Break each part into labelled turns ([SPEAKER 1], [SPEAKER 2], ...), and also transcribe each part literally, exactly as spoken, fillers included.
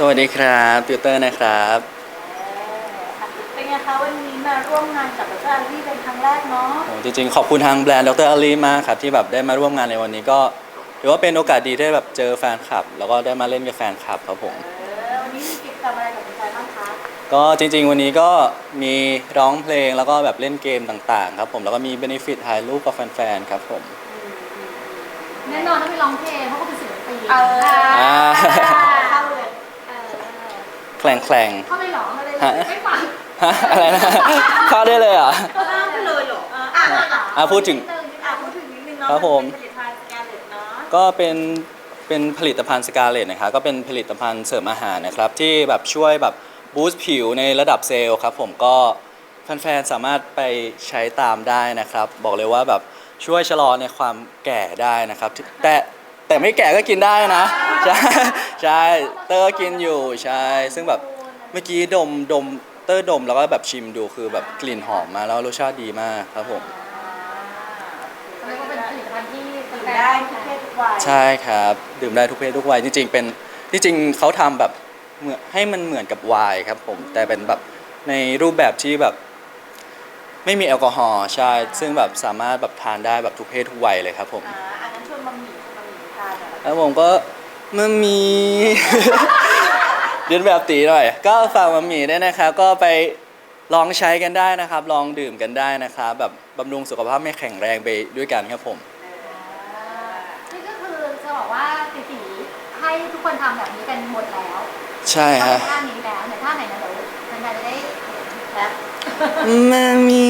[SPEAKER 1] วัสดีครับติวเตอร์นะครับ
[SPEAKER 2] เป็นไงคะวันนี้มาร่วมงานกับดรอารีเป็นครั้งแรกเนาะ
[SPEAKER 1] โอ้จริงๆขอบคุณทางแบรนด์ดรอาลีมากครับที่แบบได้มาร่วมงานในวันนี้ก็ถือว่าเป็นโอกาสดีได้แบบเจอแฟนคลับแล้วก็ได้มาเล่นกับแฟนคลับครับผม
[SPEAKER 2] เออวันนี้มีกิจกรรมอะไรกับแฟนๆบ้างคะ
[SPEAKER 1] ก็จริงๆวันนี้ก็มีร้องเพลงแล้วก็แบบเล่นเกมต่างๆครับผมแล้วก็มีเบนฟิตถ่ายรูปกับแฟนๆครับผม
[SPEAKER 3] แน่นอนต้องไปร้องเพลงเพราะเขาเป็นศิลปิน
[SPEAKER 2] เออเข้าเลย
[SPEAKER 3] เออ
[SPEAKER 1] แข่งแข่ง
[SPEAKER 3] เข้าเลยเหรอเข้าเลย
[SPEAKER 1] ฮะ
[SPEAKER 3] ไม่ฟัง
[SPEAKER 1] ฮะอะไรนะเข้าได้เลยเหรอ
[SPEAKER 2] เข้าเลยเหรออ่ะ
[SPEAKER 1] อ่ะพูดถึง
[SPEAKER 2] อ่ะพูดถึงนิดนึงเนาะ
[SPEAKER 1] ครับผม
[SPEAKER 2] ผลิตภัณฑ์สแกนเลตเนาะ
[SPEAKER 1] ก็เป็นเป็นผลิตภัณฑ์สกาเลตนะครับก็เป็นผลิตภัณฑ์เสริมอาหารนะครับที่แบบช่วยแบบบูสต์ผิวในระดับเซลล์ครับผมก็แฟนๆสามารถไปใช้ตามได้นะครับบอกเลยว่าแบบช่วยชะลอในความแก่ได้นะครับแต่แต่ไม่แก่ก็กินได้นะใช่ใช่เตอร์กินอยู่ใช่ซึ่งแบบเมื่อกี้ดมดมเตอร์ดมแล้วก็แบบชิมดูคือแบบกลิ่นหอมมาแล้วรสชาติดีมากครับผม
[SPEAKER 3] เรียกว่าเป็นผลิตภัณฑ์ที่
[SPEAKER 2] ดื่มได้ทุกเพศทุกวัย
[SPEAKER 1] ใช่ครับดื่มได้ทุกเพศทุกวัยจริงๆเป็นจริงๆเขาทำแบบเหมือนให้มันเหมือนกับไวน์ครับผมแต่เป็นแบบในรูปแบบที่แบบไม่มีแอลกอฮอล์ใช่ซึ่งแบบสามารถแบบทานได้แบบทุกเพศทุกวัยเลยครับผม
[SPEAKER 2] อ่าอันนั้นชวนมัมมี่ชวนมัมมี่ทานเหรอ
[SPEAKER 1] แล้วผมก็มามี เรียนแบบตีหน่อยก็ฝากมามีด้วยนะครับก็ไปลองใช้กันได้นะครับลองดื่มกันได้นะครับแบบบำรุงสุขภาพไม่แข็งแรงไปด้วยกันครับผม
[SPEAKER 3] นี่ก็คือจะบอกว่าติตีให้ทุกคนทำแบบนี้กันหมดแล้ว
[SPEAKER 1] ใช่ฮะ
[SPEAKER 3] ท่านี้แล้วเนี่ยท่าไหนนะเดี๋ยวแฟนๆจะได้แคป
[SPEAKER 1] มามี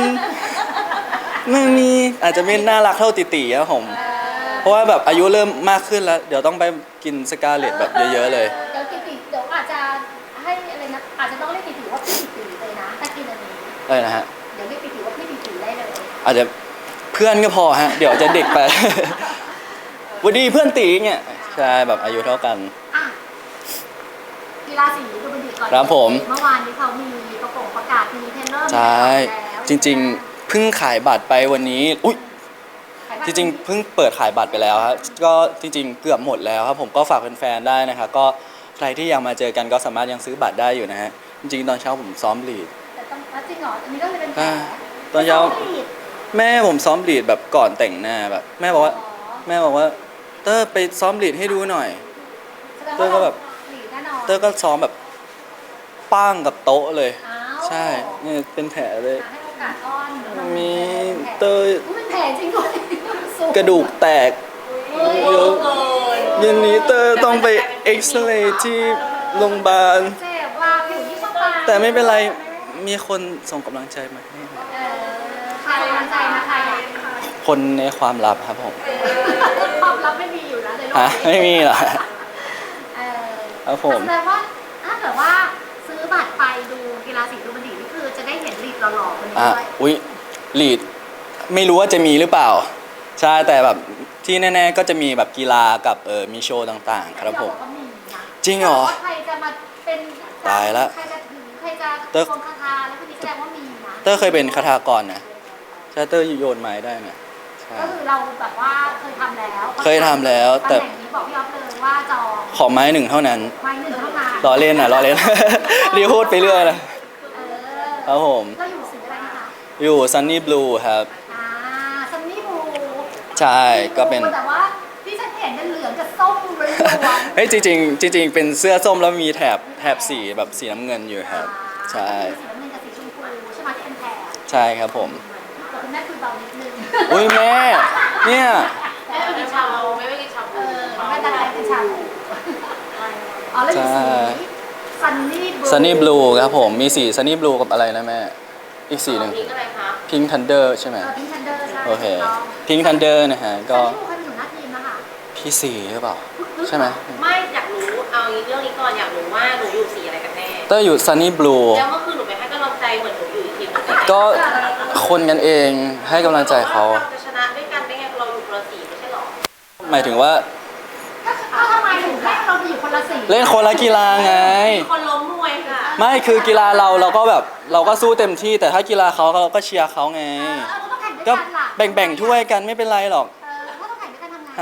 [SPEAKER 1] มามีอาจจะไม่น่ารักเท่าติตีครับผมเพราะว่าแบบอายุเริ่มมากขึ้นแล้วเดี๋ยวต้องไปกินสกาเลตแบบเยอะๆเลย
[SPEAKER 3] เดี๋ยวติตีเดี๋ยวอาจจะให้อะไรนะอาจจะต้องเรียกติตีว่าพี่ติตีเลยนะถ้ากินอันนี้
[SPEAKER 1] อะไรนะฮะ
[SPEAKER 3] เดี๋ยวเรียกติตีว่าพี่ติตีได้เลย
[SPEAKER 1] อาจจะเพื่อนก็พอฮะเดี๋ยวจะเด็กไปวันดีเพื่อนตีเนี่ยใช่แบบอายุเท่ากัน
[SPEAKER 3] อ่ะกีฬาสีดูบันดีก่อน
[SPEAKER 1] ครับผม
[SPEAKER 3] เมื่อวานนี้เขามีประกาศประกาศมีเทรนเนอร์
[SPEAKER 1] ใช่จริงๆเพิ่งขายบัตรไปวันนี้อุ้ยจริงๆเพิ่งเปิดขายบัตรไปแล้วครับก็จริงๆเกือบหมดแล้วครับผมก็ฝากแฟนๆได้นะครับก็ใครที่ยังมาเจอกันก็สามารถยังซื้อบัตรได้อยู่นะฮะจริงๆตอนเช้าผมซ้อมลีด
[SPEAKER 3] แต่ต้องจริงเหรออันนี้ก็เลยเป็นแผล
[SPEAKER 1] ตอนเช้าแม่ผมซ้อมลีดแบบก่อนแต่งหน้าแบบแม่บอกว่าแม่บอกว่าเตอร์ไปซ้อมลีดให้ดูหน่อยเตอร์ก็แบบเตอร์ก็ซ้อมแบบป้างกับโต๊ะเลยใช่เนี่ยเป็นแผลเลย
[SPEAKER 3] ให้โอกาสอ้อน
[SPEAKER 1] มีเตอร์
[SPEAKER 3] เป็นแผลจริงด้วย
[SPEAKER 1] กระดูกแตกเยอะเย็นนี้เตอร์ต้องไปเอ็กซเรย์ที่โรงพยาบาล
[SPEAKER 3] เจ็บว่าผิวที่เข้าไป
[SPEAKER 1] แต่ไม่เป็นไรมีคนส่งกำลังใจมาให้
[SPEAKER 3] ใครกำลังใจนะใคร
[SPEAKER 1] คนในความลับครับผม
[SPEAKER 3] ความลับไม่มีอยู่แล้วเลย
[SPEAKER 1] ฮะไม่มีหรอครับผม
[SPEAKER 3] แสดงว่าถ้าเกิดว่าซื้อบัตรไปดูกีฬาสีดูบันดีนี่คือจะได้เห็นลีดหล่อๆคนนี้ด้วย
[SPEAKER 1] อุ้ยลีดไม่รู้ว่าจะมีหรือเปล่าใช่แต่แบบที่แน่ๆก็จะมีแบบกีฬากับเออมีโชว์ต่างๆครับผมจริงเหรอ
[SPEAKER 3] ใครจะมาเป็น
[SPEAKER 1] ตายแล้ว
[SPEAKER 3] ใครจะถือใครจะคงคาถาแล้วคุณนี่แสดงว่ามีนะ
[SPEAKER 1] เตอร์เคยเป็นคาถากรนะใช่เตอร์โยนไม้ได้นะ
[SPEAKER 3] ก็คือเราแบบว่าเคยทำแล้ว
[SPEAKER 1] เคยทำแล้วแต่
[SPEAKER 3] บอกพี่อ๊อฟเลยว่าจอง
[SPEAKER 1] ขอไม้หนึ่งเท่านั้น
[SPEAKER 3] ไม้หนึ่งเท่านั้น
[SPEAKER 1] ล้อเล่นนะล้อเล่นรีพูดไปเรื่อยเลยครับผม
[SPEAKER 3] เราอยู่สีอะไรคะ
[SPEAKER 1] อยู่ซันนี่บลูครับ
[SPEAKER 3] อ่าซันนี่บลู
[SPEAKER 1] ใช่ก็เป็น
[SPEAKER 3] แต่ว่าที่ฉันเห็นเป็นเหลืองกับส้มล้วน
[SPEAKER 1] เฮ้ยจริงๆจริงๆเป็นเสื้อส้มแล้วมีแถบแถบสีแบบสีน้ำเงินอยู่ครับใช่
[SPEAKER 3] สีน้ำเงินกับสีชมพูใช่ไหมที่เป็นแถบ
[SPEAKER 1] ใช่ครับผม
[SPEAKER 3] คุณแม่คุยเบานิดนึง
[SPEAKER 1] อุ้ยแม่เนี่ย
[SPEAKER 2] แม่ไม่กินชาบูไม่ไม่กินชาบู
[SPEAKER 3] แม่ตาลายเป็นชาบูอ๋อแล้วมีสีซันนี่บลู
[SPEAKER 1] ซันนี่บลูครับผมมีสีซันนี่บลูกับอะไรนะแม่อีกสีหนึ่ง
[SPEAKER 2] พิงอะไรคะ
[SPEAKER 1] พิงค์ทันเดอร์ใช่ไหม
[SPEAKER 3] พิงค์ทันเดอร์ใช่
[SPEAKER 1] โอเคพิงค์ทันเดอร์นะฮะก็พี่สีหรือเปล่าใช่ไหม
[SPEAKER 2] ไม่อยากรู้เอาเรื่องนี้ก่อนอยากรู้ว่าหนูอยู่สีอะไรกันแน่
[SPEAKER 1] เต้อยู่ซันนี่บลู
[SPEAKER 2] แล้วเมื่อคืนหนูไปให้กำลังใจเหมือนหนูอยู่อีกทีม
[SPEAKER 1] ก็คนกันเองให้กำลังใจเขา
[SPEAKER 2] จะชนะด้วยกันได้ไงเราอยู่คนละสีไม่ใช่หรอ
[SPEAKER 1] หมายถึงว่า
[SPEAKER 3] ก็ทำไมถึงให้เราอยู่คนละสี
[SPEAKER 1] เล่นคนละกีฬาไง
[SPEAKER 2] คนล้มมวยค่ะ
[SPEAKER 1] ไม่คือกีฬาเราเราก็แบบเราก็สู้เต็มที่แต่ถ้ากีฬาเขาเราก็เชียร์เขาไงก็แบ่งๆถ้วยกันไม่เป็นไรหรอก
[SPEAKER 3] ถ้าต้องแข่งด้วยกันทำไง
[SPEAKER 1] ฮะ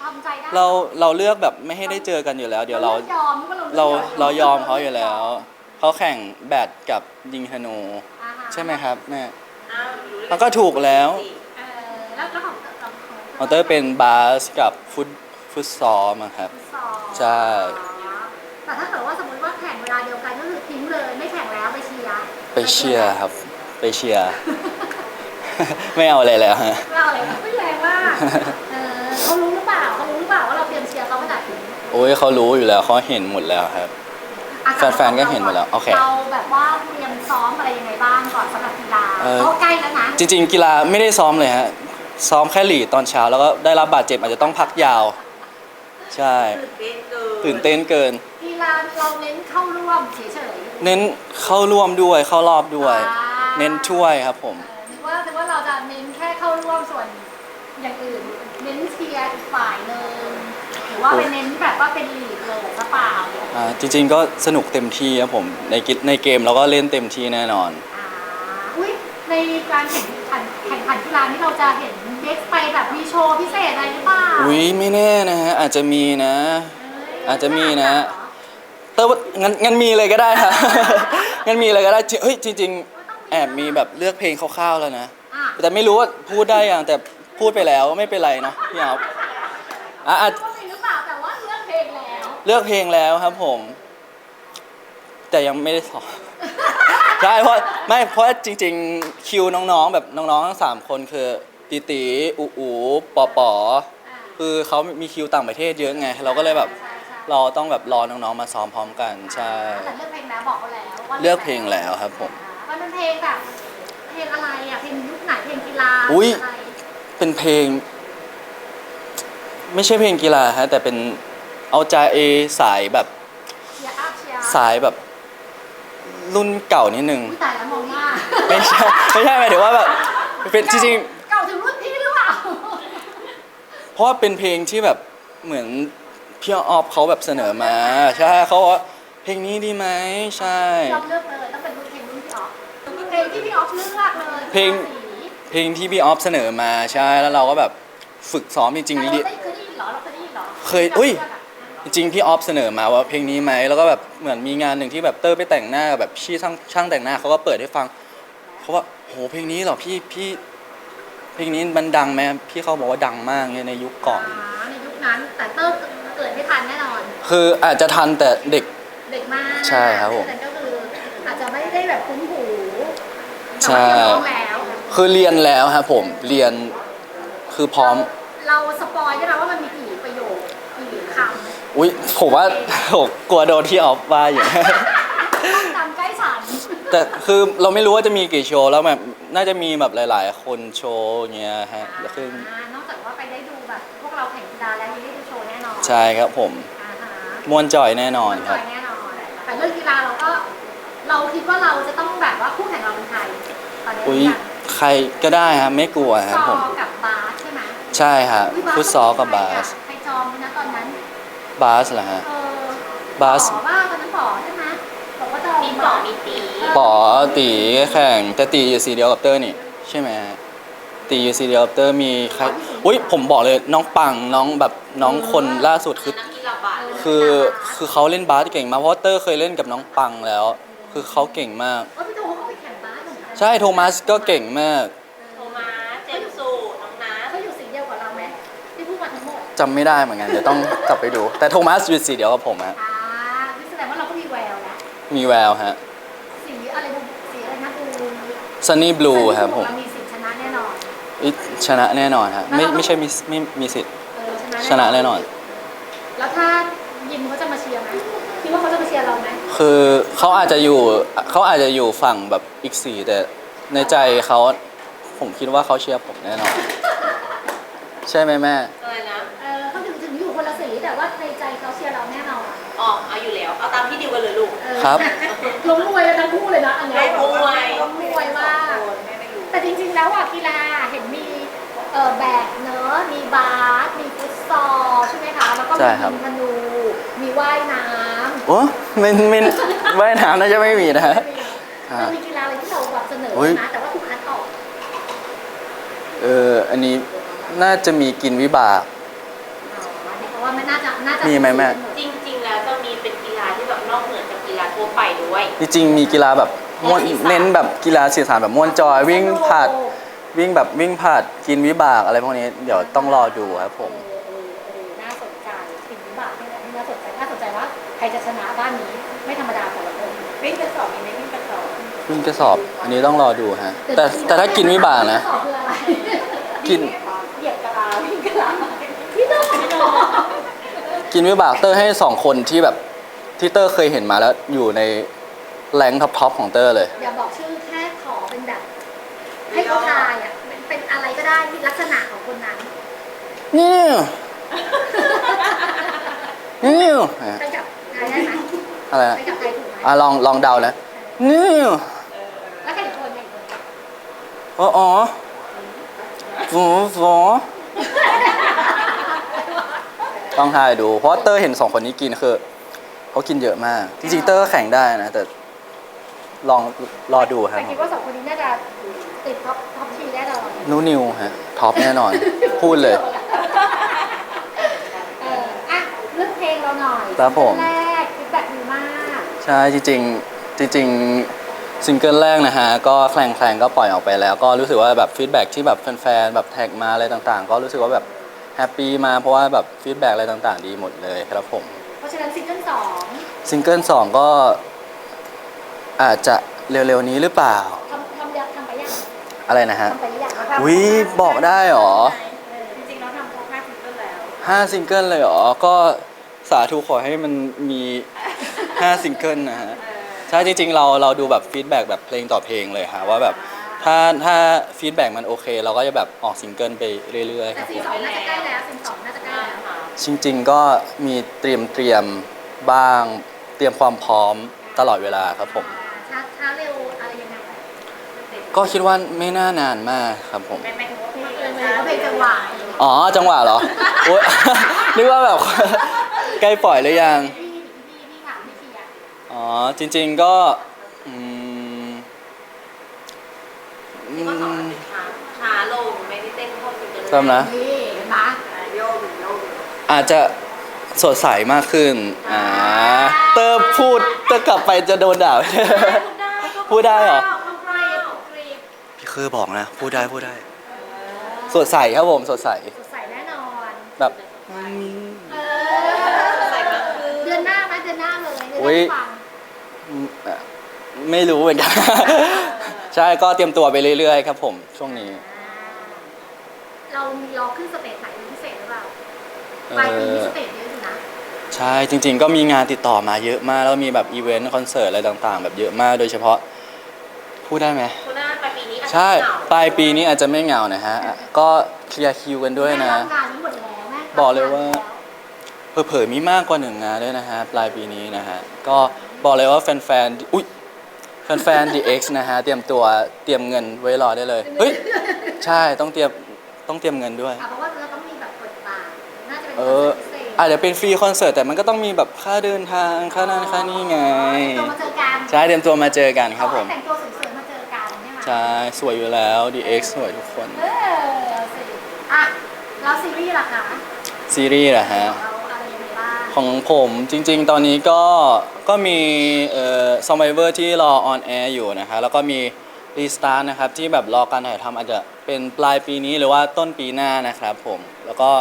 [SPEAKER 3] ทำใจได้
[SPEAKER 1] เราเราเลือกแบบไม่ให้ได้เจอกันอยู่แล้ว เดี๋ยวเรา
[SPEAKER 3] ลือกยอมก็
[SPEAKER 1] เรา
[SPEAKER 3] ลือก
[SPEAKER 1] เรายอมเขาอยู่แล้วเขาแข่งแบดกับยิงธนู
[SPEAKER 3] อ่าฮะ
[SPEAKER 1] ใช่ไหมครับแม่
[SPEAKER 4] อ้าวรู้ได้ไง
[SPEAKER 1] มันก็ถูกแล้ว
[SPEAKER 3] เออแล้วแล้วของของ
[SPEAKER 1] มอเตอร์เป็นบาสกับฟุตฟุตซอลมั้งครับ
[SPEAKER 3] ฟุตซอล
[SPEAKER 1] ใช่
[SPEAKER 3] แต่ถ้าเกิดว่าสมมติว่าแข่งเวลาเดียวกันก็คือทิ้งเลยไม่แข่งแล้วไปเชียร์
[SPEAKER 1] ไปเชียร์ครับ ไปเชียร์ ไม่เอาอะไรแล้วฮะ
[SPEAKER 3] ไม่เอาอะไรไม่แรงมากเออเขารู้หรือเปล่าเขารู้หรือเปล่าว่าเราเตรียมเชียร์เขาขนาดนี้
[SPEAKER 1] โอ้ยเขารู้อยู่แล้วเขาเห็นหมดแล้วครับ
[SPEAKER 3] อ่ะ
[SPEAKER 1] แฟนๆก็เห็นหมดแล้วโอเค
[SPEAKER 3] เราแบบว่าเตรียมซ้อมอะไรยังไงบ้างก่อนสำหรับกีฬา
[SPEAKER 1] เออ
[SPEAKER 3] เพราะใกล้แล้วนะ
[SPEAKER 1] จริงๆ กีฬาไม่ได้ซ้อมเลยฮะ ซ้อมแค่หลีดตอนเช้าแล้วก็ได้รับบาดเจ็บอาจจะต้องพักยาว ใช่
[SPEAKER 4] ตื่นเต้นเกิน
[SPEAKER 1] ตื่นเต้นเกิน
[SPEAKER 3] กีฬาเราเน้นเข้าร่วมเฉย
[SPEAKER 1] เน้นเข้าร่วมด้วยเข้ารอบด้วย
[SPEAKER 3] อ่า
[SPEAKER 1] เน้นช่วยครับผม
[SPEAKER 3] ๆเออนึกว่านึกว่าเราจะเน้นแค่เข้าร่วมส่วนอย่างอื่น เน้นเชียร์อีกฝ่ายหนึ่งหรือว่าไปเน้นแบบว่าเป็นลีดเลยหรือเปล่า
[SPEAKER 1] อ่าจริงๆก็สนุกเต็มที่ครับผมในกิในเกมเราก็เล่นเต็มที่แน่นอน
[SPEAKER 3] อ่าอุ้ยในการแข่งขันแข่งขันกีฬานี่เราจะเห็นเด็กไปแบบมีโชว์พิเศษอะไรหรือเปล่า
[SPEAKER 1] อุ้ยไม่แน่นะฮะอาจจะมีนะ
[SPEAKER 3] เย
[SPEAKER 1] อาจจะมีนะ
[SPEAKER 3] เหรอ
[SPEAKER 1] แต่ว่างั้นงั้นมีเลยก็ได้ครับ งั้นมีเลยก็ได้จริงเฮ้ยจริงๆแอบมีแบบเลือกเพลงคร่าวๆแล้วนะ
[SPEAKER 3] อ่ะ
[SPEAKER 1] แต่ไม่รู้ว่าพูดได้ยังแต่พูดไปแล้วไม่เป็นไรเนาะพี่เอาอ่ะอ่ะ
[SPEAKER 3] ว่ามีหรือเปล่าแต่ว่าเลือกเพลงแล้ว
[SPEAKER 1] เลือกเพลงแล้วครับผม แต่ยังไม่ได้สอน ใช่เพราะไม่เพราะจริง ๆ คิวน้องๆ แบบน้องๆทั้งสามคนคือตีตีอูอูปอปอ
[SPEAKER 3] อ่ะ
[SPEAKER 1] คือเขามีคิวต่างประเทศเยอะไง เราก็เลยแบบ
[SPEAKER 3] ใช่ใช่
[SPEAKER 1] เราต้องแบบรอน้องๆมาซ้อมพร้อมกันใช่
[SPEAKER 3] แต่เลือกเพลงแล้วบอกเขาแล้วว่า
[SPEAKER 1] เลือกเพลงแล้วครับผม
[SPEAKER 3] อ่ามันเป็นเพลงแบบเพลงอะไรอ่ะเพลงยุคไหนเพลงกีฬา
[SPEAKER 1] อุ๊ย
[SPEAKER 3] ะไร
[SPEAKER 1] เป็นเพลง ไม่ใช่เพลงกีฬาฮะแต่เป็นเอาใจเอสายแบบ
[SPEAKER 3] เชียร์อัพเชียร์
[SPEAKER 1] สายแบบรุ่นเก่านิดนึง
[SPEAKER 3] อุ๊ยตายแล้วมองหน้า
[SPEAKER 1] ไม่ใช่ไม่ใช่หมายถึงว่าแบบเป็นจริง
[SPEAKER 3] เก่าถึงรุ่นพี่หรือเปล่า
[SPEAKER 1] ๆเพราะว่าเป็นเพลงที่แบบเหมือนพี่ออฟเขาแบบเสนอมา ใช่เขาบอกว่าเพลงนี้ดีไหมใช่
[SPEAKER 3] พี่ออฟเลือกเลยต้องเป็นรุ่นเพลงรุ่นพี่ออฟเพลงที่พี่ออฟเลือกเลย
[SPEAKER 1] เพลง
[SPEAKER 3] สี
[SPEAKER 1] เพลงที่พี่ออฟเสนอมาใช่แล้วเราก็แบบฝึกซ้อมจริง
[SPEAKER 3] แต่
[SPEAKER 1] ๆ
[SPEAKER 3] เรา
[SPEAKER 1] ลิ
[SPEAKER 3] ได้เคยได้ยินเหรอเราเคยได้ยินเหรอ
[SPEAKER 1] เคยอุ๊ย จริงๆพี่ออฟเสนอมาว่าเพลงนี้ไหมแล้วก็แบบเหมือนมีงานหนึ่งที่แบบเตอร์ไปแต่งหน้ากับแบบพี่ช่างช่างแต่งหน้าเขาก็เปิดให้ฟังเขาว่าโหเพลงนี้เหรอพี่พี่เพลงนี้มันดังไหมพี่เขาบอกว่าดังมากเนี่ยในยุคก่อน
[SPEAKER 3] อ่าในยุคนั้นแต่เตอร์เกิดไม่ทันแน่นอน
[SPEAKER 1] คืออาจจะทันแต่เด็ก
[SPEAKER 3] เด็กมาก
[SPEAKER 1] ใช่ครับผม
[SPEAKER 3] แต่ก็คืออาจจะไม่ได้แบบคุ้นหู
[SPEAKER 1] ใช่
[SPEAKER 3] แต่ว่าเรียนร้องแล้ว
[SPEAKER 1] คือเรียนแล้วครับผมเรียนคือพร้อม
[SPEAKER 3] เราสปอยได้ไหมว่ามันมีกี่ประโยคกี่คำ
[SPEAKER 1] อุ้ยผมว่าโหกลัวโดนที่ออฟว่าอยู่
[SPEAKER 3] ต้องจำใกล้ฉัน
[SPEAKER 1] แต่คือเราไม่รู้ว่าจะมีกี่โชว์แล้วแบบน่าจะมีแบบหลาย ๆ คนโชว์อย่างเงี้ยฮะแล้วคือ
[SPEAKER 3] อ่านอกจากว่าไปได้ดูแบบพวกเราแข่งกีฬาแล้วยังได้ดูโชว์แน่นอน
[SPEAKER 1] ใช่ครับผม
[SPEAKER 3] อ่าฮะ
[SPEAKER 1] มวนจอยแน่นอนครับ
[SPEAKER 3] แน่นอนแต่เรื่องกีฬาเราก็ เราคิดว่าเราจะต้องแบบว่าคู่แข่งเราเป็นใครตอนนี้
[SPEAKER 1] อุ้ย
[SPEAKER 3] เนี่ย
[SPEAKER 1] ใครก็ได้ครับไม่กลัวครับ
[SPEAKER 3] ซ
[SPEAKER 1] ผ
[SPEAKER 3] อ
[SPEAKER 1] ม
[SPEAKER 3] กับบาสใช่ไหม
[SPEAKER 1] ใช่ครับ
[SPEAKER 3] อุ๊ย
[SPEAKER 1] ฟุตซอลกับบาส
[SPEAKER 3] ใครจอมนะตอนนั้น
[SPEAKER 1] บาสเหรอฮะ
[SPEAKER 3] เออบ
[SPEAKER 1] าส
[SPEAKER 3] บอกว่าตอนนั้นบอกใช่ไหมบอกว่าจอม
[SPEAKER 4] มีปอมีตี
[SPEAKER 1] ป๋อตีแข่งแต่ตีอยู่สีเดียวกับเตอร์นี่ใช่ไหมฮะตีอยู่สีเดียวกับเตอร์มีใครอุ้ยผมบอกเลยน้องปังน้องแบบน้องคนล่าสุดคือ
[SPEAKER 4] นักกีฬาบาส
[SPEAKER 1] คือคือเขาเล่นบาสเก่งมากเพราะว่าเตอร์เคยเล่นกับน้องปังแล้ว คือเขาเก่งมาก
[SPEAKER 3] เออพี่โตเขาก็ไปแข่งบาสเหมือนกัน
[SPEAKER 1] ใช่โทมัสก็เก่งมาก
[SPEAKER 4] โทมัสเจมส์สูน้องนัท
[SPEAKER 3] เขาอยู่สีเดียวกับเราไหมที่พูดมาทั้งหมด
[SPEAKER 1] จำไม่ได้เหมือนกันเดี๋ยวต้องกลับไปดู แต่โทมัสอยู่สีเดียวกับผมฮะ
[SPEAKER 3] อ่านี่แสดงว่าเราก็มีแววแล้ว
[SPEAKER 1] มีแววฮะ
[SPEAKER 3] สีอะไรดูสีอะไรนะดู
[SPEAKER 1] ซันนี่บลูครับผม
[SPEAKER 3] เรามีสิทธิ์ชนะแน่นอน
[SPEAKER 1] อิชนะแน่นอนฮะไม่ไม่ใช่มีไม่มีสิทธิ์
[SPEAKER 3] เออ
[SPEAKER 1] ชนะแน่นอน
[SPEAKER 3] แล้วถ้ายิมเขาจะมาเชียร์ไหมคิดว่าเขาจะมาเชียร์เราไหม
[SPEAKER 1] คือเขาอาจจะอยู่เขาอาจจะอยู่ฝั่งแบบอีกสี่แต่ในใจเขาผมคิดว่าเขาเชียร์ผมแน่นอน ใช่ไหมแม่
[SPEAKER 4] อะไรนะ
[SPEAKER 3] เออเขาถึงถึงอยู่คนละสีแต่ว่าในใจเขาเชียร์เราแน่นอน
[SPEAKER 4] อ๋อเอาอยู่แล้ว เอาตามที่ดิวกันเลยลูก
[SPEAKER 3] เออ
[SPEAKER 1] ครับ
[SPEAKER 3] ล้มมวยกันทั้งคู่เลยนะอันเนี้ย
[SPEAKER 4] ไม่มวย
[SPEAKER 3] ล้มมวยมาก
[SPEAKER 4] แม่ไม่รู้
[SPEAKER 3] แต่จริงๆแล้วอ่ะกีฬาเห็นมีเออแบดเนอะมีบาสมีฟุตซอลใช่ไหมคะแล้วก็
[SPEAKER 1] ใช่
[SPEAKER 3] มี
[SPEAKER 1] ครับ
[SPEAKER 3] ยิงธนูมีว่ายน้ำ
[SPEAKER 1] โอ้ไม่ไม่ว่ายน้ำน่าจะไม่มีนะฮะ อ่า
[SPEAKER 3] มันมีกีฬาอะไรที่เราแบบเสนอ
[SPEAKER 1] อุ๊ย
[SPEAKER 3] นะแต่ว่าถูกคัดออก
[SPEAKER 1] เอออันนี้น่าจะมีกินวิบาก
[SPEAKER 3] น่าจะ
[SPEAKER 1] มีไหมแม่
[SPEAKER 4] จริง ๆ แล้วจะมีเป็นกีฬาที่แบบนอกเหนือจากกีฬาทั่วไปด้วย
[SPEAKER 1] จริงๆมีกีฬาแบบม่วนเน้นแบบกีฬาสื่อสารแบบม่วนจอยวิ่งผลัดวิ่งแบบวิ่งผลัดกินวิบากอะไรพวกนี้เดี๋ยวต้องรอดูครับผม
[SPEAKER 3] เออเออเออน่าสนใจสิ่งวิบากนี่แหละที่น่าสนใจน่าสนใจว่าใครจะชนะบ้านนี้ไม่ธรรมดาแต่ละคน
[SPEAKER 4] วิ่งกระสอบมีไหมวิ่งกระสอบ
[SPEAKER 1] วิ่งกระสอบอันนี้ต้องรอดูฮะแต่แต่ถ้ากินวิบากนะ
[SPEAKER 3] ข้อสอบคืออะไร
[SPEAKER 1] กิน
[SPEAKER 3] เหยียบกะลาวิ่งกะลาพี่ต้อง
[SPEAKER 1] กินวิบากเตอร์ให้สองคนที่แบบที่เตอร์เคยเห็นมาแล้วอยู่ในแรงท็อปท็อปของเตอร์เลย
[SPEAKER 3] อย่าบอกชื่อแค่ขอเป็นแบบ ให้เขาทายอ่ะเป็นเป็นอะไรก็ได้ที่ลักษณะของคนนั้น
[SPEAKER 1] นี่นี่
[SPEAKER 3] ไปกับใครได้ไหม
[SPEAKER 1] อะไรนะ
[SPEAKER 3] ไปกับใครถูกไหม
[SPEAKER 1] อ่ะลองลองเดานะนี่
[SPEAKER 3] แล้วใครอีกคนใครอีกคน
[SPEAKER 1] อ๋ออ๋อฟูฟูต้องทายดูเพราะเตอร์เห็นสองคนนี้กินคือเขากินเยอะมาก จริงๆเตอร์ก็แข่งได้นะแต่ลองรอดูครับ
[SPEAKER 3] แต่คิดว่าสองคนนี้น่าจะติดท็อปท็อปทีแน่นอน
[SPEAKER 1] นูนิวฮะท็อปแน่นอน พูดเลย
[SPEAKER 3] เอออ่ะเรื่องเพลงเราหน่อย
[SPEAKER 1] ครับผม
[SPEAKER 3] แรกฟีดแบ็กดีมาก
[SPEAKER 1] ใช่จริงๆจริงๆซิงเกิลแรกนะฮะก็แคลงแคลงก็ปล่อยออกไปแล้ว ก็รู้สึกว่าแบบฟีดแบ็กที่แบบแฟนๆแบบแท็กมาอะไรต่างๆ ก็รู้สึกว่าแบบแฮปปี้มาเพราะว่าแบบฟีดแบ็กอะไรต่างๆ ดีหมดเลยครับผม
[SPEAKER 3] เพราะฉะนั้นซิงเกิลสอง
[SPEAKER 1] ซิงเกิลสองก็อาจจะเร็วๆนี้หรือเปล่า
[SPEAKER 3] ทำทำยังทำไปยัง
[SPEAKER 1] อะไรนะฮะ
[SPEAKER 3] ทำไปหรือยัง
[SPEAKER 1] อุ๊ยบอกได้เหรอ
[SPEAKER 4] จริงๆเราทำครบห้าซิงเกิลแล้ว
[SPEAKER 1] ห้าซิงเกิลเลยเหรอ ก็สาธุขอให้มันมีห้าซิงเกิลนะฮะ ใช่จริงๆเราเราดูแบบฟีดแบ็กแบบเพลงต่อเพลงเลยค่ะว่าแบบถ้าถ้าฟีดแบ็กมันโอเค เราก็จะแบบออกซิงเกิลไปเรื่อยๆค
[SPEAKER 3] แต่
[SPEAKER 1] รับ
[SPEAKER 3] ซี
[SPEAKER 1] ผม
[SPEAKER 3] สองน่าจะใกล้แล้วซีสองน่าจะใกล้แล้ว
[SPEAKER 1] จริงๆก็มีเตรียมเตรียมบ้างเตรียมความพร้อมตลอดเวลาครับผม
[SPEAKER 3] ช้าช้าเร็วอะไรยังไง
[SPEAKER 1] ก็คิดว่าไม่น่านานมากครับผม
[SPEAKER 4] ไม่ไม่ถึงว่าเพลง
[SPEAKER 3] เออเลยก็เพลงจังหวะ
[SPEAKER 1] อ๋อจังหวะเหรอโอ๊ย นึกว่าแบบ ใกล้ปล่อยหรือยัง
[SPEAKER 3] พี่พี่พี่ถามพี่เชียร์
[SPEAKER 1] อ๋อจริงๆก็อืมอื
[SPEAKER 4] ที่ว่าสอง
[SPEAKER 1] ม
[SPEAKER 4] เป็นช้าช้าลงไม่ได้เต้นเข้าซิงเกิล
[SPEAKER 1] จำนะ
[SPEAKER 3] นี่เห็นไหม
[SPEAKER 4] โยกโยก
[SPEAKER 1] อาจจะสดใสมากขึ้นอ่าเตอร์พูดเตอร์กลับไปจะโดนด่า พูดได้เหรอ
[SPEAKER 3] กรีบกรีบ
[SPEAKER 1] พี่คือบอกนะ พูดได้พูดได้ สดใสครับผมสดใส
[SPEAKER 3] สดใสแน่นอน
[SPEAKER 1] แบบ
[SPEAKER 3] เออเดือนหน้าไหมเดือนหน้าเลยเดือนห
[SPEAKER 1] อุ๊
[SPEAKER 3] น้าย ฟัง
[SPEAKER 1] อืมอ่ะไม่รู้เหมือน กัน ใช่ก็เตรียมตัวไปเรื่อยๆครับผมช่วงนี้
[SPEAKER 3] เรามีรอขึ้นสเตจไหนเป็นพิเศษหรือเปล่า
[SPEAKER 1] เอ
[SPEAKER 3] ปลายปีนี้
[SPEAKER 1] อ
[SPEAKER 3] สเตจเยอะอยู่นะ
[SPEAKER 1] ใช่จริง ๆ ก็มีงานติดต่อมาเยอะมาก แล้วมีแบบอีเวนต์คอนเสิร์ตอะไรต่างๆ แบบเยอะมากโดยเฉพาะพูดได้ไหม
[SPEAKER 4] คุณน่าปลายปีนี้อาจจะ
[SPEAKER 1] ใช่
[SPEAKER 4] เหงา
[SPEAKER 1] ปลายปีนี้อาจจะไม่เหงานะฮะ ก็เคลียร์คิวกันด้วยนะ
[SPEAKER 3] แม่รับงานนี้หมดแล้วแม่
[SPEAKER 1] บอกเลยว่า เผลอๆมีมากกว่าหนึ่งงานด้วยนะฮะปลายปีนี้นะฮะก็บอกเลยว่าแฟนๆอุ้ยแฟนๆ ดี เอ็กซ์ นะฮะเตรียมตัวเตรียมเงินไว้รอได้เลยเฮ้ยใช่ต้องเตรียมต้องเตรียมเงินด้วย
[SPEAKER 3] อ่ะเพราะว่าเราต้องมีแบบกดบาทน่าจะเป็น
[SPEAKER 1] เอ
[SPEAKER 3] คอน
[SPEAKER 1] อ
[SPEAKER 3] เสิร์ตพิเศษ
[SPEAKER 1] อาจจะเป็นฟรีคอนเสิร์ตแต่มันก็ต้องมีแบบค่าเดินทางค่านั่นค่านี่ไง
[SPEAKER 3] ตัวมาเจอกัน
[SPEAKER 1] ใช่เตรียมตัวมาเจอกันครับผม
[SPEAKER 3] ขอให้แต่งตัวสวยๆมาเจอกันใช่ไหม
[SPEAKER 1] ใช่สวยอยู่แล้ว ดี เอ็กซ์ สวยทุกคน
[SPEAKER 3] เออสิอ่ะแล้วซีรีส์ล่ะคะ
[SPEAKER 1] ซีรีส์เหรอฮะ
[SPEAKER 3] เราอะไรยังไงบ้าง
[SPEAKER 1] ของผมจริงๆ ตอนนี้ก็ก็มีเอ่อ Survivor ที่รอออนแอร์อยู่นะฮะแล้วก็มีรีสตาร์นะครับที่แบบรอการถ่ายทำอาจจะเป็นปลายปีนี้หรือว่าต้นปีหน้านะครับผมแล้วก็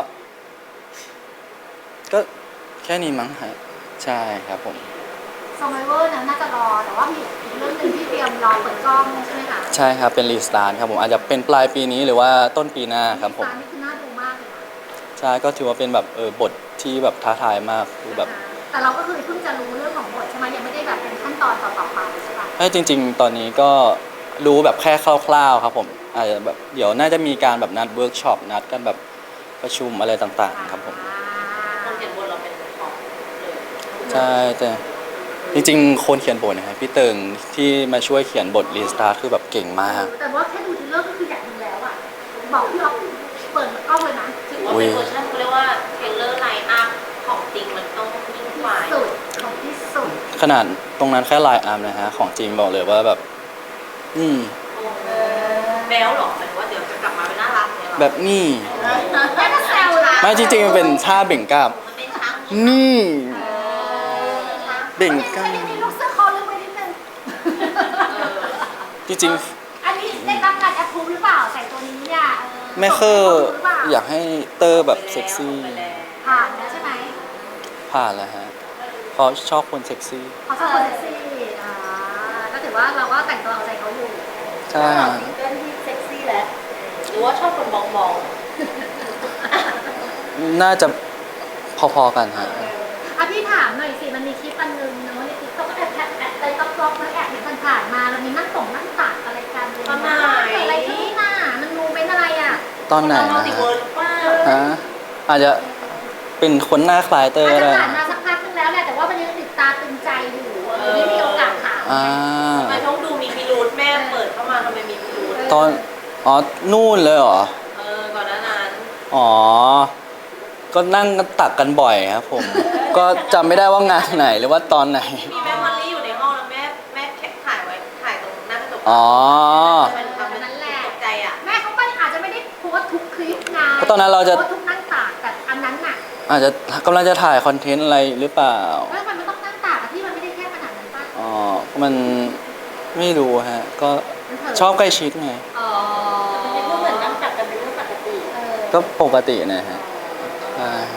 [SPEAKER 1] ก็แค่นี้มั้งฮะใช่ครับผม
[SPEAKER 3] ซอมไบเวอร์นั้นน่าจะรอแต่ว่ามีอีกเรื่องหนึ่งที่เตรียมรอเปิดกล้องใช่ไหมคะ
[SPEAKER 1] ใช่ครับเป็นรีสตาร์ครับผมอาจจะเป็นปลายปีนี้หรือว่าต้นปีหน้าครับผม
[SPEAKER 3] รีสตานี่คือน่าดูมากเลยนะ
[SPEAKER 1] ใช่ก็ถือว่าเป็นแบบเออบทที่แบบท้าทายมากคือแบบ
[SPEAKER 3] แต่เราก็คือเพิ่งจะรู้เรื่องของบทใช่ไหมยังไม่ได้แบบเป็นขั้นตอนต่อๆไปใช่ปะ
[SPEAKER 1] ให้จริง ๆ ตอนนี้ก็รู้แบบแค่คร่าวๆครับผมอาจจะแบบเดี๋ยวน่าจะมีการแบบนัดเวิร์กช็อปนัดกันแบบประชุมอะไรต่างๆครับผม
[SPEAKER 4] คนเขียนบทเราเป็นของเลย
[SPEAKER 1] ใช่แต่จริงๆ คนเขียนบทนะครับพี่เติงที่มาช่วยเขียนบทรีสตาร์คือแบบเก่งมาก
[SPEAKER 3] แต่ว่าแค่ดูทีเลอร์ก็คืออยากดูแล้วอ่ะบอกพี่อ๊อฟเปิดกล้องเลยนะ
[SPEAKER 4] ถือว่าเป็นเวอร์ชันเขาเรียกว่าเทรลเลอร์ไลน์อัพของจริงมันต้องยิ่งกว่า
[SPEAKER 3] สุดของที่สุด
[SPEAKER 1] ขนาดตรงนั้นแค่ไลน์อาร์มนะฮะของจริงบอกเลยว่าแบบนี่
[SPEAKER 4] แบลหรอหมายถึงว่าเดี๋ยวจะกลับมาเป็นน่ารักเนี่ยหรอ
[SPEAKER 1] แบบนี่
[SPEAKER 3] แม่ก็แซวนะ
[SPEAKER 1] ไม่จริงๆมันเป็นท่าเบ่งกล้าม
[SPEAKER 4] มันเป็นช้าง
[SPEAKER 1] นี่
[SPEAKER 3] เออ
[SPEAKER 1] เบ่งกล้าม
[SPEAKER 3] อันนี้มีลูกเสื้อคอลึกไปนิดนึง
[SPEAKER 1] จริง
[SPEAKER 3] อันนี้ได้รับการแอปพูฟหรือเปล่าใส่ตัวนี้เนี่ย
[SPEAKER 1] ๆแม่เคอร์อยากให้เตอร์แบบเซ็กซี่
[SPEAKER 3] ผ่านแล้วใช่ไหม
[SPEAKER 1] ผ่านแล้วฮะเพราะชอบคนเซ็กซี่
[SPEAKER 3] เขาชอบคนเซ็กซี่อ่าก็ถือว่าเราก็แต่งตัวเอาใจเขาอยู่
[SPEAKER 1] ใช่
[SPEAKER 2] ต่อ
[SPEAKER 1] ฮะ
[SPEAKER 2] ซิงเกิลที่เซ็กซี่แล้ว
[SPEAKER 4] หรือว่าชอบคนมองมอง
[SPEAKER 1] น่าจะพอๆกันฮะ
[SPEAKER 3] อ่ะพี่ถามหน่อยสิมันมีคลิปอันนึงเนาะในติ๊กต็อกก็แอบแอบแอบไปต๊อกต๊อกแล้วแอบเห็นผ่านๆมาแล้วมีนั่งส่งนั่งตักอะไรกันเลย
[SPEAKER 4] ตอนไหน
[SPEAKER 3] เกิดอะไรขึ้นน่ะมันมูเป็นอะไรอ่ะ
[SPEAKER 1] ตอนไหน
[SPEAKER 4] มัล
[SPEAKER 1] นะ
[SPEAKER 4] ติเวิร์สป้า
[SPEAKER 1] ฮะอาจจะเป็นคนหน้าคล้ายเตอ
[SPEAKER 3] อา
[SPEAKER 1] ร์
[SPEAKER 3] จ
[SPEAKER 1] ก็
[SPEAKER 3] จะ
[SPEAKER 1] ได้
[SPEAKER 3] ผ่านมาสักพักนึงแล้วแหละแต่ว่ามันยังติดตาตึงใจอยู่ไม่มีโอกาสถาม
[SPEAKER 1] อ่า
[SPEAKER 4] ทำไมต้องดูมีพิรุธแม่เปิดเข้ามาทำไมมีพิรุธ
[SPEAKER 1] ตอนอ๋อนู่นเลยเหรอ
[SPEAKER 4] เออก่อนหน้านั้น
[SPEAKER 1] อ๋อ ก็นั่งกันตักกันบ่อยครับผม ก็จำไม่ได้ว่างานไหนหรือว่าตอนไหน
[SPEAKER 4] มีแม่มอลลี่อยู่ในห้องแล้วแม่แม่แค่ถ่ายไว้ถ่ายตรงหน้ากระจก
[SPEAKER 1] อ๋อ
[SPEAKER 4] มันทำเป็นตกใจอ่ะ
[SPEAKER 3] แม่เขาก็อาจจะไม่ได้โพสต์ทุกคลิปไง
[SPEAKER 1] เพราะตอนนั้นเราจะ
[SPEAKER 3] โพสต์ทุกนั่งตากแต่อันนั้นน่ะ
[SPEAKER 1] อาจจะกำลังจะถ่ายคอนเทนต์อะไรหรือเปล่า
[SPEAKER 3] ว่ามันไม่ต้องนั่งตากอะพี่มันไม่ได้แค่ขนาดนั้นป่ะ
[SPEAKER 1] อ๋อ มันไม่รู้ฮะ ก็
[SPEAKER 3] มันเถอะ
[SPEAKER 1] ชอบใกล้ชิดไง
[SPEAKER 3] อ๋อ
[SPEAKER 2] มันเป็นพูดเหมือนนั่งตักกันเป็นเรื่องปกติ
[SPEAKER 3] เออ
[SPEAKER 1] ก็ปกตินะฮะใช่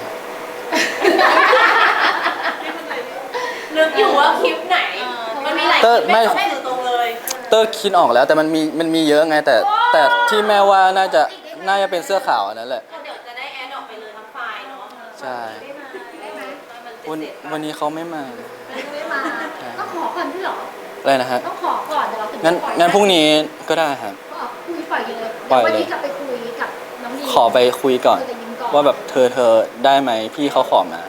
[SPEAKER 4] นึกอยู่ว่าคลิปไหน มันมีหลายคลิปแม่ไม่ถึงตรงเลย
[SPEAKER 1] เตอร์คิดออกแล้วแต่มันมีมันมีเยอะไง แต่แต่ที่แม่ว่าน่าจะน่าจะเป็นเสื้อขาวอันนั้นแหละ
[SPEAKER 4] ก็เดี๋ยวจะได้แอดออกไปเลยทั้งไฟล์เนาะ
[SPEAKER 1] ใช่
[SPEAKER 3] ได้ไหม
[SPEAKER 4] มัน
[SPEAKER 1] วัน
[SPEAKER 4] เสร็จๆ
[SPEAKER 1] วันนี้เขาไม่มา
[SPEAKER 3] ไม่มาต้องขอก่อนพี่เหรอ
[SPEAKER 1] อะไรนะฮะ
[SPEAKER 3] ต้องขอก่อนเดี๋ยวเราถึง
[SPEAKER 1] งั้น
[SPEAKER 3] จะปล่อย
[SPEAKER 1] งั้นพรุ่งนี้ก็ได้ครับ
[SPEAKER 3] ก็คุยปล่อยเลย
[SPEAKER 1] ปล่อยเลย
[SPEAKER 3] วันนี้กลับไปคุยกับน้องดี
[SPEAKER 1] ขอไปคุยก่อน
[SPEAKER 3] คุยกับยิมก่อน
[SPEAKER 1] ว่าแบบเธอเธอได้ไหมพี่เขาขอมา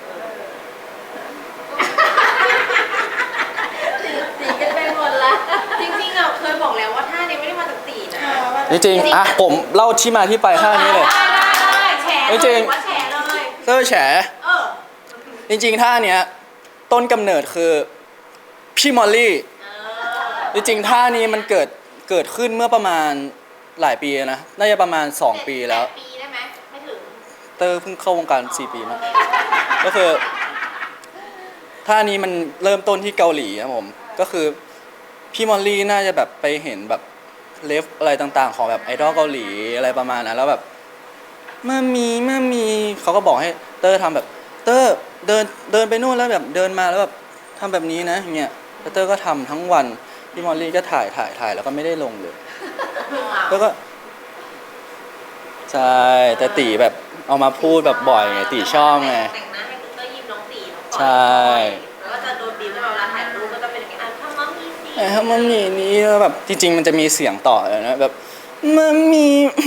[SPEAKER 4] สีกันไปหมดละจริงๆอ่ะเคยบอกแล้วว่าท่านี้ไม่ได้มาจากตีนะ
[SPEAKER 1] จริงๆอ่ะผมเล่าที่มาที่ไปท่านี้เลย
[SPEAKER 4] ได้ได้ได้แฉ
[SPEAKER 1] ไม่จริง
[SPEAKER 4] ว่าแฉเลย
[SPEAKER 1] เตอร์แฉ
[SPEAKER 4] เออ
[SPEAKER 1] จริงๆท่าเนี้ยต้นกำเนิดคือพี่มอลลี่
[SPEAKER 4] เออ
[SPEAKER 1] จริงๆท่านี้มันเกิดเกิดขึ้นเมื่อประมาณหลายปีนะน่าจะประมาณสองปีแล้ว
[SPEAKER 4] ปดปีได้ไหมไม่ถึง
[SPEAKER 1] เตอร์เพิ่งเข้าวงการสี่ปีมั้งก็คือท่านี้มันเริ่มต้นที่เกาหลีครับผมก็คือพี่มอลลี่น่าจะแบบไปเห็นแบบเลฟอะไรต่างๆ ของแบบไอดอลเกาหลีอะไรประมาณนั้นแล้วแบบมามีมามีเขาก็บอกให้เตอร์ทำแบบเตอร์เดินเดินไปนู่นแล้วแบบเดินมาแล้วแบบทำแบบนี้นะอย่างเงี้ยแล้วเตอร์ก็ทำทั้งวันพี่มอลลี่ก็ถ่ายถ่ายถ่ายแล้วก็ไม่ได้ลงเลยแล้วก็ใช่แต่ตีแบบเอามาพูดแบบบ่อยไงตีชอบไง
[SPEAKER 4] แต่งหน้าให้คุณเตอร์ยิ้มน้องตีน้องปอย
[SPEAKER 1] ใช่
[SPEAKER 4] แล้วก็จะโดนบีบให้เวลาถ่ายรูปก็จะเป็นอย่างนี้อ่ะทำมัมมี่สิ
[SPEAKER 1] ไอ้ถ้ามันมีนี้แล้วแบบจริงๆมันจะมีเสียงต่อเลยนะแบบมันมี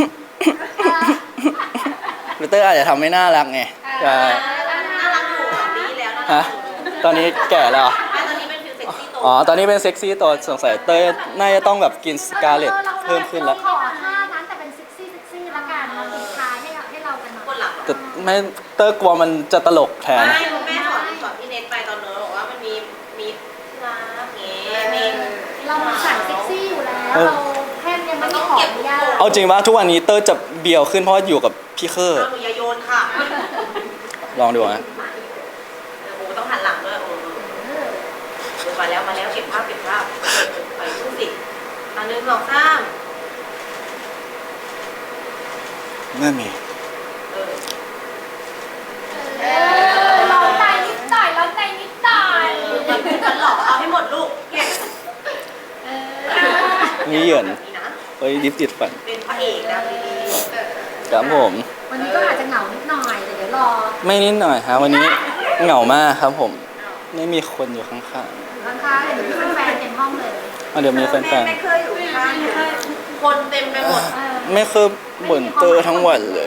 [SPEAKER 1] ลูเตอร์อาจจะทำไม่น่ารักไงใช่
[SPEAKER 4] น่ารักอยู่ของดีแล้วน่า
[SPEAKER 1] ฮะ
[SPEAKER 4] รักอยู่
[SPEAKER 1] ตอนนี้แก่แล้วเหรอ
[SPEAKER 4] ไม่ตอนนี้เป็นฟิลเซ็กซี่โต
[SPEAKER 1] อ๋อตอนนี้เป็นเซ็กซี่ตัวสงสัยเต้ยน่าจะต้องแบบกินสกาเลตเพิ่มขึ้นแล้ว
[SPEAKER 3] ขอท่านั้นแต่เป็นเซ็กซี่เซ็กซี่ละกันเราติดท้ายให้เราให้เรากันหน่อย
[SPEAKER 4] คนหลัง
[SPEAKER 1] แต่ไม่เต้ยกลัวมันจะตลกแทน
[SPEAKER 4] ไม่แม่สอนสอนพี่เนทไปตอนโน้นบอกว่ามันมีมีรักเงี้ยมี
[SPEAKER 3] เรามันใส่เซ็กซี่อยู่แล้ว
[SPEAKER 1] เออ
[SPEAKER 3] เราแค่ยังไม่ได้ขออนุญาต
[SPEAKER 1] เอาจริงว่าทุกวันนี้เต้ยจะเบียวขึ้นเพราะว่าอยู่กับพี่เคอร์
[SPEAKER 4] เอาหนูอย่าโยนค่ะ
[SPEAKER 1] ลองดูนะ
[SPEAKER 4] เออโอ้ต้องหันหลังด้วยโอ้เออมาแล้วมาแล้วเก็บภาพเก็บภาพไปพูดสิอันหนึ่งสองสาม
[SPEAKER 1] ไม่มี
[SPEAKER 4] เออ
[SPEAKER 3] เออร้องใจนิดหน่อยร้องใจนิดหน่อย
[SPEAKER 4] มันมันหลอกเอาให้หมดลูกเก็บ
[SPEAKER 3] เออ
[SPEAKER 1] นี่เหยิน
[SPEAKER 4] แบบนี้นะ
[SPEAKER 1] เฮ้ยดิฟติดฝัน
[SPEAKER 4] เป็นพระเอกนะดี
[SPEAKER 1] ครับผม
[SPEAKER 3] วันนี้ก็อาจจะเหงานิดหน่อยแต่เดี๋ยวรอ
[SPEAKER 1] ไม่นิดหน่อยฮะวันนี้เหงามากครับผม ไม่มีคนอยู่ข้าง
[SPEAKER 3] ข้างๆเดี๋ยวมีแฟนๆเต็มห้องเลย
[SPEAKER 1] ๆอ่ะเดี๋ยวมีแฟน
[SPEAKER 4] ไม่เคยอยู่ข้างคนเต็มไปหมด
[SPEAKER 3] เออ
[SPEAKER 1] ๆไม่เคยบ่นเตอร์ทั้งวันเลย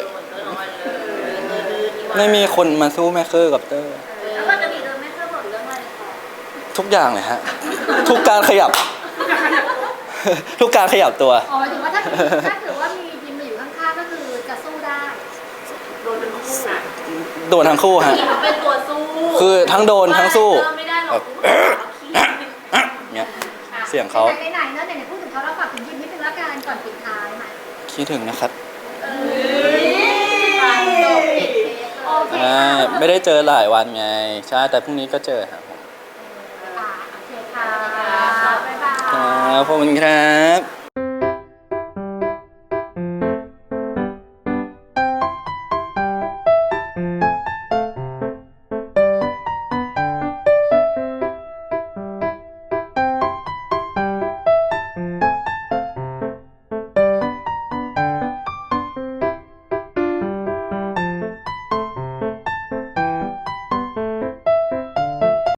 [SPEAKER 1] ไม่มีคนมาสู้แม่เคอร์กับเตอร์
[SPEAKER 2] แล้วก็จะมีเดินไม่เคยบ่นเรื่องอะไรต่อ
[SPEAKER 1] ทุกอย่างเลยฮะ ทุกการขยับ ทุกการขยับตัว
[SPEAKER 3] อ๋อหมายถึงว่าถ้าถ้าถือว่ามียิมมาอยู่ข้างๆก็คือจะสู้ได้
[SPEAKER 4] โดนเป็นคู่นะ
[SPEAKER 1] โดนทั้งคู่ฮะ
[SPEAKER 4] ที่เขาเป็นตัวสู้
[SPEAKER 1] คือทั้งโดนทั้งสู้
[SPEAKER 4] ไม่ได้หรอก
[SPEAKER 1] เนี้ยเสียงเขา
[SPEAKER 3] ไหนๆไหนๆเนอะไหนๆพูดถึงเขาแล้วฝากถึงยิมนิดนึงละกันก่อนปิดท้ายมา
[SPEAKER 1] คิดถึงนะครับ
[SPEAKER 3] ฟังจบปิดเทปเลย
[SPEAKER 1] อะไรช่ไม่ได้เจอหลายวันไงใช่แต่พรุ่งนี้ก็เจอครับผม
[SPEAKER 3] อ่าโอเคค่ะบ๊ายบาย
[SPEAKER 1] ครับขอบคุณครับ